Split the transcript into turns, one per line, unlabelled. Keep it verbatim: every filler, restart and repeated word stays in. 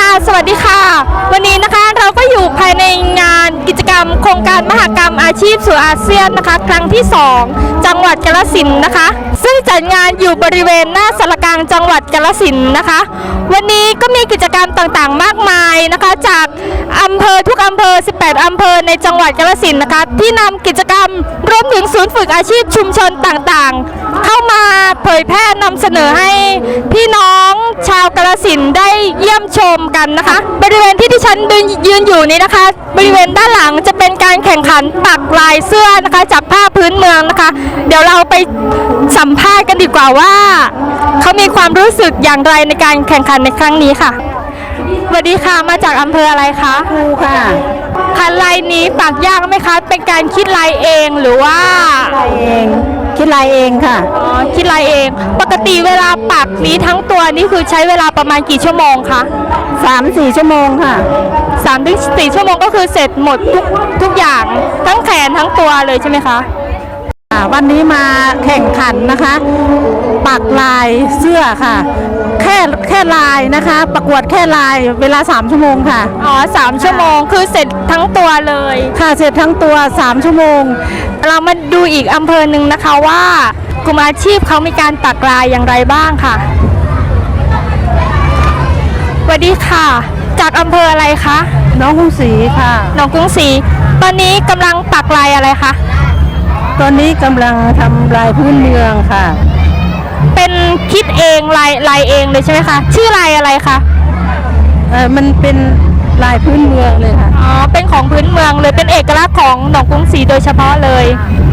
สวัสดีค่ะวันนี้นะคะเราก็อยู่ภายในงานกิจกรรมโครงการมหกรรมอาชีพสู่อาเซียนนะคะครั้งที่สองจังหวัดกาฬสินธุ์นะคะซึ่งจัดงานอยู่บริเวณหน้าสารกลางจังหวัดกาฬสินธุ์นะคะวันนี้ก็มีกิจกรรมต่างๆมากมายนะคะจากอำเภอทุกอำเภอสิบแปดอำเภอในจังหวัดกาฬสินธุ์นะคะที่นำกิจกรรมรวมถึงศูนย์ฝึกอาชีพชุมชนต่างๆเข้ามาเผยแพร่นำเสนอให้พี่น้องชาวกาฬสินธุ์ได้เยี่ยมชมกันนะคะบริเวณที่ที่ฉันยืนอยู่นี้นะคะบริเวณด้านหลังจะเป็นการแข่งขันปักลายเสื้อนะคะจากผ้าพื้นเมืองนะคะเดี๋ยวเราไปสัมภาษณ์กันดีกว่าว่าเขามีความรู้สึกอย่างไรในการแข่งขันในครั้งนี้ค่ะสวัสดีค่ะมาจากอำเภออะไรคะ
ครูค่ะ
คันลายนี้ปักยากไหมคะเป็นการคิดลายเองหรือว่า
ลายเองคิดลายเองค่ะ
อ๋อคิดลายเองปกติเวลาปักนี้ทั้งตัวนี่คือใช้เวลาประมาณกี่ชั่วโมงคะ
สามสี่ชั่วโมงค่ะ
สามถึงสี่ชั่วโมงก็คือเสร็จหมดทุกทุกอย่างทั้งแขนทั้งตัวเลยใช่ไหมคะ
วันนี้มาแข่งขันนะคะปักลายเสื้อค่ะแค่แค่ลายนะคะประกวดแค่ลายเวลาสามชั่วโมงค่ะ
อ๋อสามชั่วโมงคือเสร็จทั้งตัวเลย
ค่ะเสร็จทั้งตัวสามชั่วโมง
เรามาดูอีกอำเภอหนึ่งนะคะว่ากลุ่มอาชีพเขามีการปักลายอย่างไรบ้างค่ะสวัสดีค่ะจากอำเภออะไรคะ
น้องกรุงศรีค่ะ
น้องกรุงศรีตอนนี้กำลังปักลายอะไรคะ
ตอนนี้กำลังทำลายพื้นเมืองค่ะ
เป็นคิดเองลายลายเองเลยใช่ไหมคะชื่อลายอะไรคะ
เออมันเป็นลายพื้นเมืองเลยค่ะ
อ๋อเป็นของพื้นเมืองเลยเป็นเอกลักษณ์ของหนองกรุงศรีโดยเฉพาะเลย